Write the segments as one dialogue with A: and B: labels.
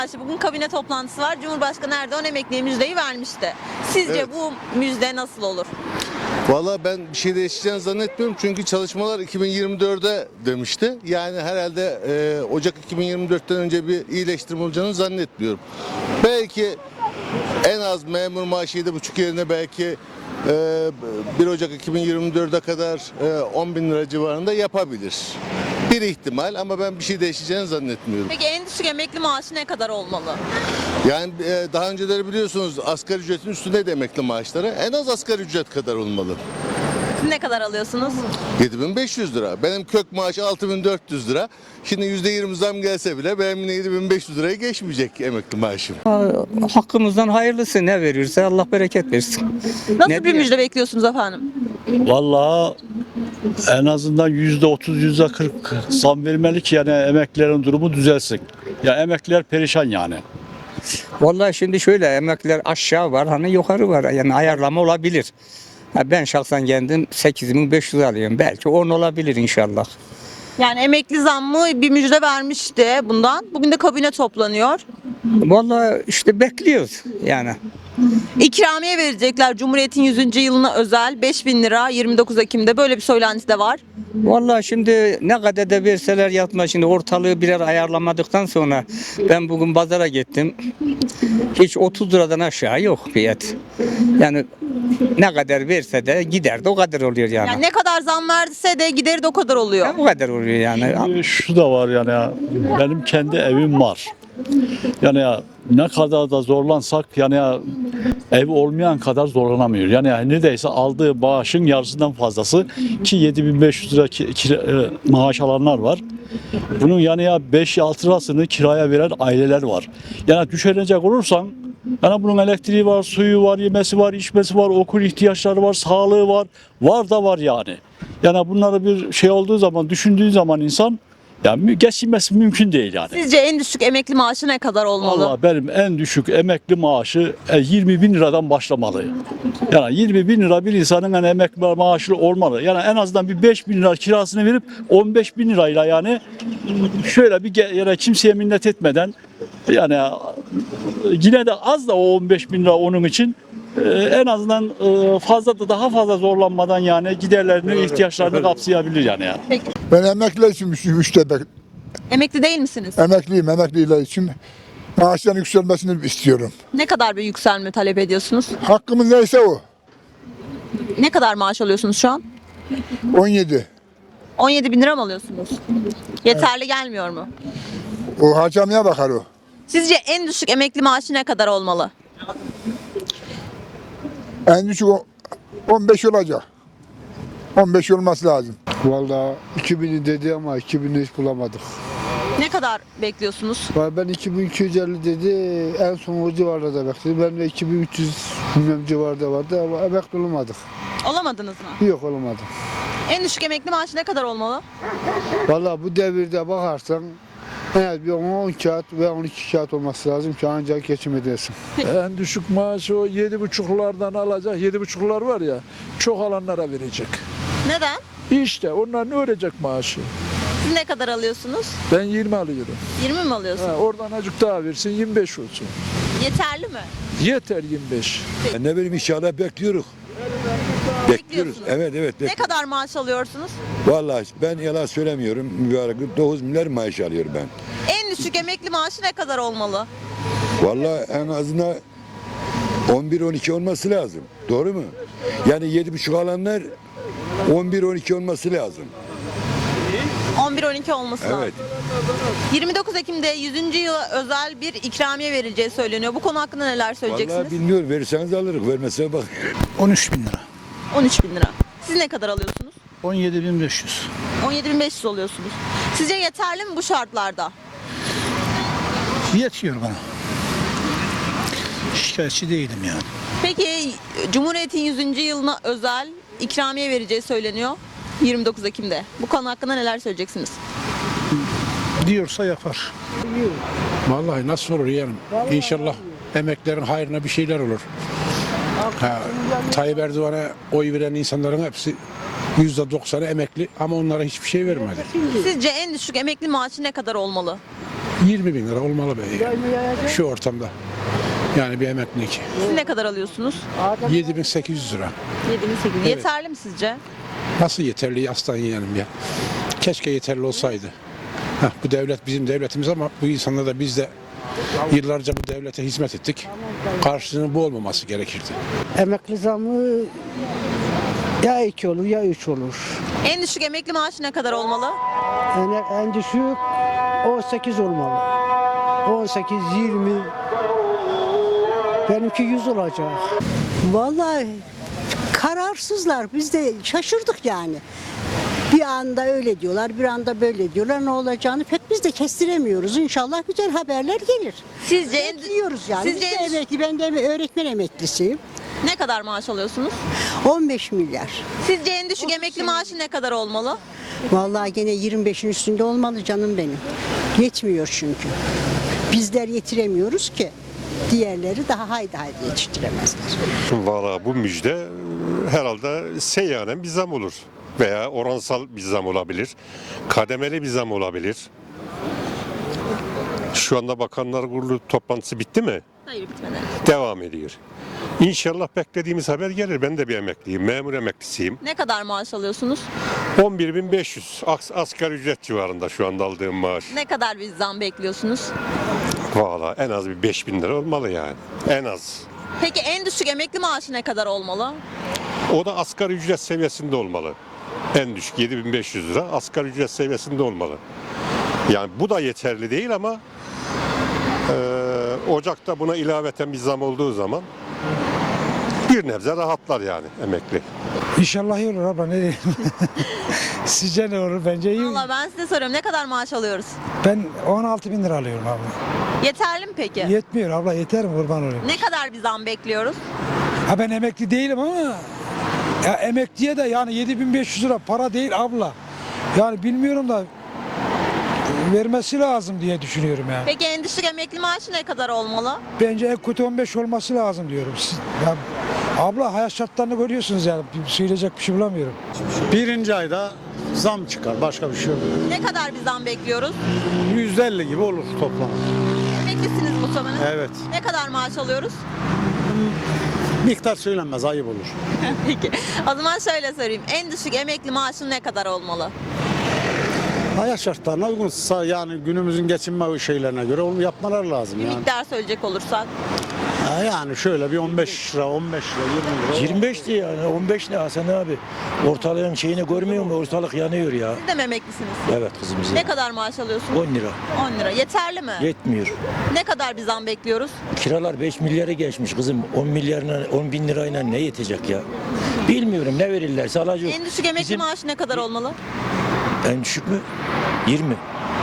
A: Bugün kabine toplantısı var. Cumhurbaşkanı Erdoğan emekliye müjdeyi vermişti. Sizce
B: Evet.
A: bu müjde nasıl olur?
B: Valla ben bir şey değişeceğini zannetmiyorum çünkü çalışmalar 2024'e demişti. Yani herhalde Ocak 2024'ten önce bir iyileştirme olacağını zannetmiyorum. Belki en az memur maaşı 7,5 yerine belki 1 Ocak 2024'e kadar 10 bin lira civarında yapabilir. Bir ihtimal ama ben bir şey değişeceğini zannetmiyorum.
A: Peki en düşük emekli maaşı ne kadar olmalı?
B: Yani daha önceleri biliyorsunuz asgari ücretin üstünde emekli maaşları en az asgari ücret kadar olmalı.
A: Siz ne kadar alıyorsunuz?
B: 7.500 lira. Benim kök maaş 6.400 lira. Şimdi %20 zam gelse bile benim yine 7.500 liraya geçmeyecek emekli maaşım.
C: Hakkımızdan hayırlısı ne verirse Allah bereket versin.
A: Nasıl
C: Ne
A: bir
C: diyeyim?
A: müjde bekliyorsunuz efendim?
D: Vallahi en azından %30, %40 zam vermeli ki yani emeklilerin durumu düzelsin. Ya emekliler perişan yani.
C: Vallahi şimdi şöyle emekliler aşağı var hani yukarı var yani ayarlama olabilir. Ben şahsen kendim 8.500 alıyorum. Belki 10 olabilir inşallah.
A: Yani emekli zammı bir müjde vermişti bundan. Bugün de kabine toplanıyor.
C: Vallahi işte bekliyoruz yani.
A: İkramiye verecekler Cumhuriyet'in 100. yılına özel 5.000 lira 29 Ekim'de böyle bir söylenti de var.
C: Vallahi şimdi ne kadar da verseler yatma şimdi ortalığı birer ayarlamadıktan sonra ben bugün pazara gittim. Hiç 30 liradan aşağı yok fiyat. Yani ne kadar verse de gider de o kadar oluyor yani.
A: Yani ne kadar zam verse de gideri de o kadar oluyor.
C: O kadar oluyor yani.
D: Şu da var yani ya, benim kendi evim var. Yani ya, ne kadar da zorlansak yani ya, ev olmayan kadar zorlanamıyor. Yani ya, neredeyse aldığı maaşın yarısından fazlası ki 7.500 lira maaş alanlar var. Bunun yani ya 5-6 lirasını kiraya veren aileler var. Yani düşünecek olursan yani bunun elektriği var, suyu var, yemesi var, içmesi var, okul ihtiyaçları var, sağlığı var. Var da var yani. Yani bunları bir şey olduğu zaman, düşündüğü zaman insan yani geçinmesi mümkün değil yani.
A: Sizce en düşük emekli maaşı ne kadar olmalı?
D: Vallahi benim en düşük emekli maaşı 20 bin liradan başlamalı. Yani 20 bin lira bir insanın yani emekli maaşı olmalı. Yani en azından bir 5 bin lira kirasını verip 15 bin lirayla yani şöyle bir yani kimseye minnet etmeden yani yine de az da o 15 bin lira onun için en azından fazla da daha fazla zorlanmadan yani giderlerini, ihtiyaçlarını kapsayabilir yani.
E: Ben emekliler için müştebek.
A: Emekli değil misiniz?
E: Emekliyim, emekliler için maaşların yükselmesini istiyorum.
A: Ne kadar bir yükselme talep ediyorsunuz?
E: Hakkımız neyse o.
A: Ne kadar maaş alıyorsunuz şu an?
E: 17.
A: 17 bin lira mı alıyorsunuz? Yeterli gelmiyor mu?
E: O harcamaya bakar o.
A: Sizce en düşük emekli maaşı ne kadar olmalı?
E: En düşük 15 olacak. 15 olması lazım.
F: Vallahi 2000'i dedi ama 2000'i hiç bulamadık.
A: Ne kadar bekliyorsunuz?
F: Ben 2250 dedi, en son o civarlarda bekledim. Ben de 2300 bilmem civarda vardı ama emekli olamadık.
A: Olamadınız mı?
F: Yok olamadım.
A: En düşük emekli maaşı ne kadar olmalı?
F: Vallahi bu devirde bakarsan en az bir 10 kağıt ve 12 kağıt olması lazım ki ancak geçim edesin.
G: En düşük maaşı o 7,5'lardan alacak. 7,5'lar var ya, çok alanlara verecek.
A: Neden?
G: İşte onlar ne örecek maaşı?
A: Siz ne kadar alıyorsunuz?
G: Ben 20 alıyorum.
A: 20 mi alıyorsunuz?
G: Oradan azıcık daha versin 25 olsun.
A: Yeterli mi?
G: Yeter 25.
H: Ne bileyim inşallah bekliyoruz. Bekliyoruz.
A: Bekliyorsunuz.
H: Evet.
A: Ne kadar maaş alıyorsunuz?
H: Vallahi ben yalan söylemiyorum. Mübarek 9 milyar maaş alıyorum ben.
A: En düşük emekli maaşı ne kadar olmalı?
H: Vallahi en azından 11-12 olması lazım. Doğru mu? Yani 7,5 alanlar 11-12 olması lazım.
A: 11-12 olması lazım.
H: Evet.
A: 29 Ekim'de 100. yıla özel bir ikramiye verileceği söyleniyor. Bu konu hakkında neler söyleyeceksiniz?
H: Vallahi bilmiyorum. Verirseniz alırız. Vermezse bak.
I: 13 bin lira.
A: 13 bin lira. Siz ne kadar alıyorsunuz?
I: 17.500.
A: 17.500 alıyorsunuz. Sizce yeterli mi bu şartlarda?
I: Yetiyor bana. Şikayetçi değilim yani.
A: Peki Cumhuriyet'in 100. yılına özel ikramiye vereceği söyleniyor 29 Ekim'de. Bu konu hakkında neler söyleyeceksiniz?
I: Diyorsa yapar.
J: Vallahi nasıl olur yani? İnşallah emeklerin hayrına bir şeyler olur. Tayyip Erdoğan'a oy veren insanların hepsi %90'ı emekli ama onlara hiçbir şey vermedi.
A: Sizce en düşük emekli maaşı ne kadar olmalı?
J: 20 bin lira olmalı be şu ortamda. Yani bir emeklilik.
A: Siz ne kadar alıyorsunuz?
J: 7.800 lira.
A: 7.800. Yeterli mi sizce?
J: Nasıl yeterli aslan yeğenim ya. Keşke yeterli olsaydı. Bu devlet bizim devletimiz ama bu insanlar da biz de yıllarca bu devlete hizmet ettik. Karşılığının bu olmaması gerekirdi.
F: Emekli zamı ya 2 olur ya 3 olur.
A: En düşük emekli maaşı ne kadar olmalı?
F: Yani en düşük 18 olmalı. 18, 20. Benimki 100 olacak.
K: Vallahi kararsızlar. Biz de şaşırdık yani. Bir anda öyle diyorlar, bir anda böyle diyorlar. Ne olacağını pek biz de kestiremiyoruz. İnşallah güzel haberler gelir.
A: Sizce
K: Bekliyoruz yani.
A: Sizce
K: Biz de emekli, ben de öğretmen emeklisiyim.
A: ne kadar maaş alıyorsunuz?
K: 15 milyar.
A: Sizce en düşük emekli maaşı ne kadar olmalı?
K: Vallahi gene 25'in üstünde olmalı canım benim. Yetmiyor çünkü. Bizler yetiremiyoruz ki. Diğerleri daha haydi yetiştiremezler.
L: Valla bu müjde herhalde seyyanen bir zam olur. Veya oransal bir zam olabilir. Kademeli bir zam olabilir. Şu anda Bakanlar Kurulu toplantısı bitti mi?
A: Hayır, bitmedi.
L: Devam ediyor. İnşallah beklediğimiz haber gelir. Ben de bir emekliyim. Memur emeklisiyim.
A: Ne kadar maaş alıyorsunuz?
L: 11.500 asgari ücret civarında şu anda aldığım maaş.
A: Ne kadar bir zam bekliyorsunuz?
L: Valla en az bir 5.000 lira olmalı yani. En az.
A: Peki en düşük emekli maaşı ne kadar olmalı?
L: O da asgari ücret seviyesinde olmalı. En düşük 7.500 lira asgari ücret seviyesinde olmalı. Yani bu da yeterli değil ama Ocak'ta buna ilaveten bir zam olduğu zaman bir nebze rahatlar yani emekli.
I: İnşallah iyi olur abla, ne diyeyim. Sizce ne olur? Bence iyi.
A: Valla ben size soruyorum, ne kadar maaş alıyoruz?
I: Ben 16 bin lira alıyorum abla.
A: Yeterli mi peki?
I: Yetmiyor abla, yeter mi, kurban olayım.
A: Ne kadar bir zam bekliyoruz?
I: Ha ben emekli değilim ama ya emekliye de yani 7500 lira para değil abla. Yani bilmiyorum da vermesi lazım diye düşünüyorum yani.
A: Peki en düşük emekli maaşı ne kadar olmalı?
I: Bence en kötü 15 olması lazım diyorum. Ya, abla hayat şartlarını görüyorsunuz yani. Söyleyecek bir şey bulamıyorum.
M: Birinci ayda zam çıkar. Başka bir şey yok.
A: Ne kadar bir zam bekliyoruz?
M: %50 gibi olur toplam.
A: Emeklisiniz muhtemelen.
M: Evet.
A: Ne kadar maaş alıyoruz?
M: Miktar söylenmez, ayıp olur.
A: Peki. O zaman şöyle sorayım. En düşük emekli maaşı ne kadar olmalı?
M: Hayat şartlarına uygunsa yani günümüzün geçinme şeylerine göre onu yapmaları lazım
A: Bir
M: yani.
A: miktar söyleyecek olursak.
M: Yani şöyle bir 15 lira, 15 lira, 20 lira.
N: 25'ti yani 15 ne Hasan abi? Ortalığın şeyini görmüyor mu? Ortalık yanıyor ya.
A: Siz de mi emeklisiniz?
N: Evet kızım bizim.
A: Ne kadar maaş alıyorsunuz?
N: 10 lira.
A: 10 lira. Yeterli mi?
N: Yetmiyor.
A: Ne kadar bir zam bekliyoruz?
N: Kiralar 5 milyara geçmiş kızım. 10 milyarla 10 bin lirayla ne yetecek ya? Bilmiyorum ne verirlerse alacak.
A: En düşük emekli
N: Bizim-
A: maaşı ne kadar olmalı?
N: En düşük mü? 20.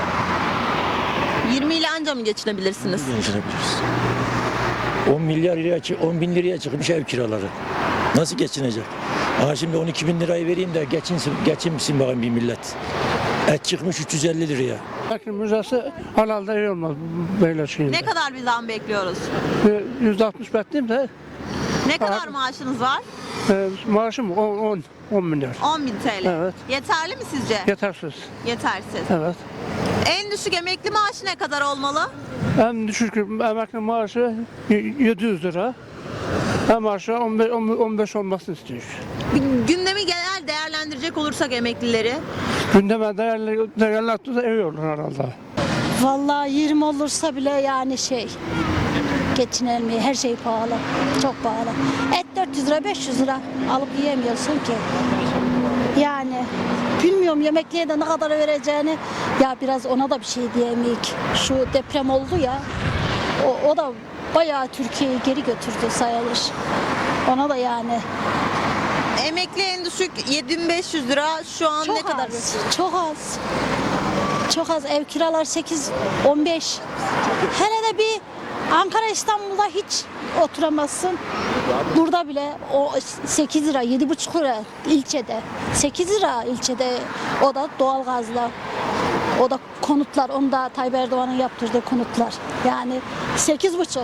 A: 20 ile anca mı geçinebilirsiniz?
N: Geçinebiliriz. 10 milyar liraya, 10 bin liraya çıkmış ev kiraları. Nasıl geçinecek? Aha şimdi 12 bin lirayı vereyim de geçinsin bakayım bir millet. Et çıkmış 350 liraya.
F: Bakın müzesi halalda iyi olmaz böyle şeyinde.
A: Ne kadar bir zam bekliyoruz?
F: %60 bekleyeyim de
A: Ne kadar maaşınız var?
F: maaşım 10 milyar.
A: 10.000 TL.
F: Evet.
A: Yeterli mi sizce?
F: Yetersiz.
A: Yetersiz.
F: Evet.
A: En düşük emekli maaşı ne kadar olmalı?
F: En düşük emekli maaşı 700 lira. En maaşı 15 olmasını istiyor.
A: Gündemi genel değerlendirecek olursak emeklileri.
F: Gündeme değerlendirirse iyi olur herhalde.
K: Vallahi 20 olursa bile yani geçinilmiyor. Her şey pahalı. Çok pahalı. Et 400 lira 500 lira alıp yiyemiyorsun ki. Yani bilmiyorum yemekliğe de ne kadar vereceğini. Ya biraz ona da bir şey diyemeyik. Şu deprem oldu ya. O da bayağı Türkiye'yi geri götürdü sayılır. Ona da yani.
A: Emekli en düşük 7500 lira şu an ne kadar?
K: Çok az. Çok az. Ev kiralar 8-15. Hele de bir Ankara İstanbul'da hiç oturamazsın. Burada bile o 8 lira, 7,5 lira ilçede. 8 lira ilçede, o da doğalgazla. O da konutlar, onu da Tayyip Erdoğan'ın yaptırdığı konutlar. Yani 8,5.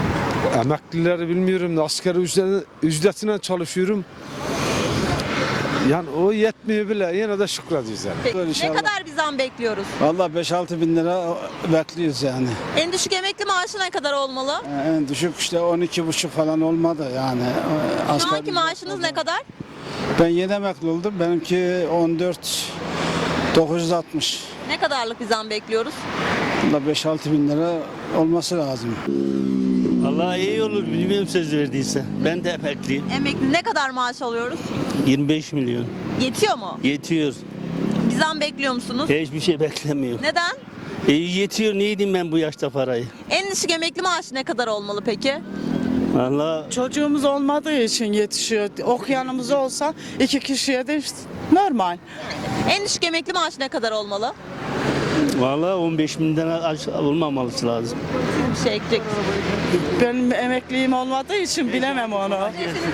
F: Emeklileri bilmiyorum da asgari ücretine çalışıyorum. Yani o yetmiyor bile yine de şükrediyoruz yani.
A: Peki, ne kadar bir zam bekliyoruz?
M: Vallahi 5-6 bin lira bekliyoruz yani.
A: En düşük emekli maaşı ne kadar olmalı?
M: En düşük işte 12,5 falan olmadı yani.
A: Şu anki maaşınız ne kadar?
M: Ben yeni emekli oldum. Benimki 14.960.
A: Ne kadarlık bir zam bekliyoruz?
M: Vallahi 5-6 bin lira olması lazım.
O: Vallahi iyi olur bilmiyorum söz verdiyse. Ben de emekliyim.
A: Emekli ne kadar maaş alıyoruz?
O: 25 milyon.
A: Yetiyor mu?
O: Yetiyor.
A: Bir zam bekliyor musunuz?
O: Hiçbir şey beklemiyorum.
A: Neden?
O: Yetiyor neydim ben bu yaşta parayı.
A: En düşük emekli maaşı ne kadar olmalı peki?
O: Vallahi
P: Çocuğumuz olmadığı için yetişiyor. Okuyanımız olsa 2 kişiye de işte normal.
A: En düşük emekli maaşı ne kadar olmalı?
O: vallahi 15 binden aşağı olmaması lazım.
A: Bir şey ekleyecek misiniz?
P: Benim emekliliğim olmadığı için bilemem onu.